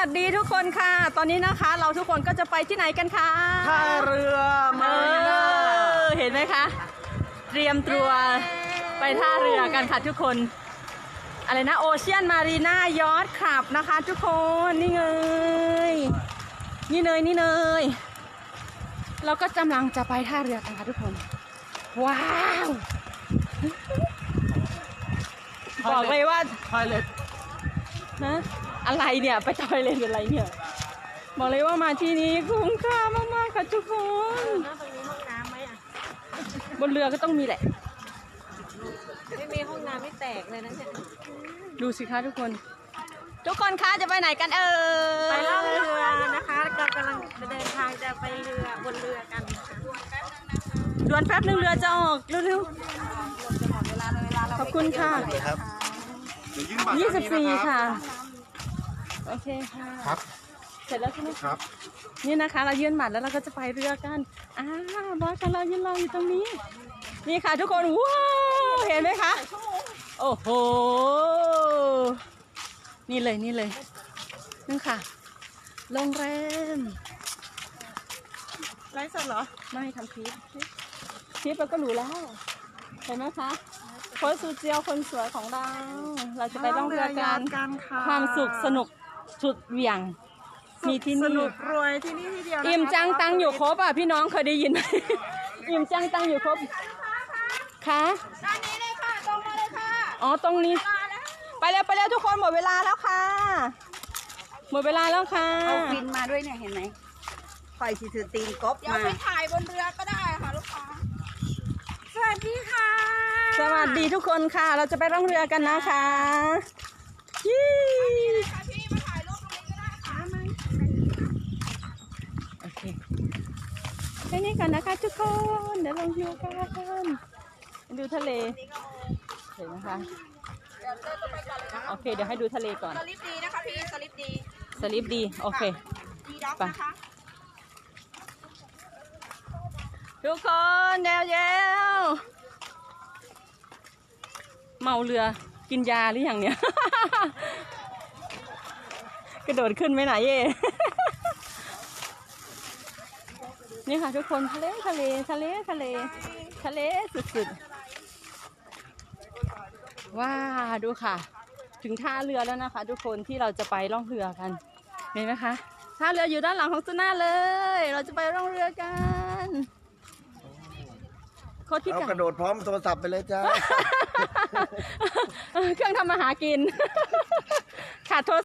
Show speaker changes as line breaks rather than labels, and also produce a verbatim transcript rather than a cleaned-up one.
สดีทุกคนค่ะตอนนี้นะคะเราทุกคนก็จะไปที่ไหนกันคะ
ท่าเรือมารีน่า
เห็นไหมคะเตรียมตัวไปท่าเรือกันค่ะทุกคนอะไรนะโอเชียนมารีน่ายอทคลับนะคะทุกคนนี่เงยนี่เนยนี่เนยเราก็กำลังจะไปท่าเรือกันค่ะทุกคนว้าวบอกเลยว่า
ทอยเล็ต
นะอะไรเนี่ยไปทอยเลนอะไรเนี่ยบอกเลยว่ามาที่นี้คุ้มค่ามากๆค่ะทุกคน
ตรงนี้ห้องน้ำไหมอ่ะ
บนเรือก็ต้องมีแหละ
ไม่มีห้องน้ำไม่แตกเลยนะเนี่ย
ดูสิคะทุกคนทุกคนคะจะไปไหนกันเอ่ย
ไปล่องเรือนะคะเรากำลังเดินทางจะไปเรือบนเรือกัน
ดวนแป๊บนึงเรือจะออกเร็วๆขอบคุณค่ะยี่สิบสี่ค่ะโอเคค่ะ
ครับ
เสร็จแล้วใช่ไหม
ครับ
นี่นะคะเรายื่นบัตรแล้วเราก็จะไปเรือกันอ่าบอสของเรายืนรออยู่ตรงนี้นี่ค่ะทุกคนว้าวเห็นไหมคะโอ้โหนี่เลยนี่เลยนั่นค่ะโรงแรม
ไลฟ์สดเหรอ
ไม่ทำคลิปคลิปเราก็รู้แล้วเห็นไหมคะโค้ชซูเจียวคนสวยของเราเราจะไปล่องเรือกันความสุขสนุกสุดเหวี่ยงมีที่นี่
สนุกรวยที่นี่ที่เดียว
อิ่มจังตังอยู่ครบอ่ะพี่น้องเคยได้ยินไหมอิ่มจังตังอยู่ครบค่ะ
ด้านนี้เลยค่ะตรงมาเลยค่ะ
อ๋อตรงนี้ไปแล้วไปแล้วทุกคนหมดเวลาแล้วค่ะหมดเวลาแล้วค่ะ
เอาฟินมาด้วยเนี่ยเห็นไหมคอยสิถือตีนกบมาเดี๋ยว
ไปถ่ายบนเรือก็ได้ค่ะลูกค้าสวัสดีค่ะ
สวัสดีทุกคนค่ะเราจะไปล่องเรือกันนะคะยี่
พี่มาถ่ายรูปตรงนี้ก็ได้ค่ะ
โอเคแค่นี้ก่อนนะคะทุกคนเดี๋ยวลงเรือกันดูทะเลเห็นไหมคะโอเคเดี๋ยวให้ดูทะเลก่อน
สลิปดีนะคะพี่สลิปดี
สลิปดีโอเค
ดีด็อกนะคะ
ทุกคนเดี๋ยวเดี๋ยวเมาเรือกินยาหรือยังเนี่ยกระโดดขึ้นไหมไหนเย่นี่ค่ะทุกคนทะเลทะเลทะเลทะเลทะเลสุดๆว้าดูค่ะถึงท่าเรือแล้วนะคะทุกคนที่เราจะไปล่องเรือกันเห็นไหมคะท่าเรืออยู่ด้านหลังของซูน่าเลยเราจะไปล่องเรือกันโคตรพิการ
เอากระโดดพร้อมโทรศัพท์ไปเลยจ้า
เครื่องทำมาหากินขาดโทร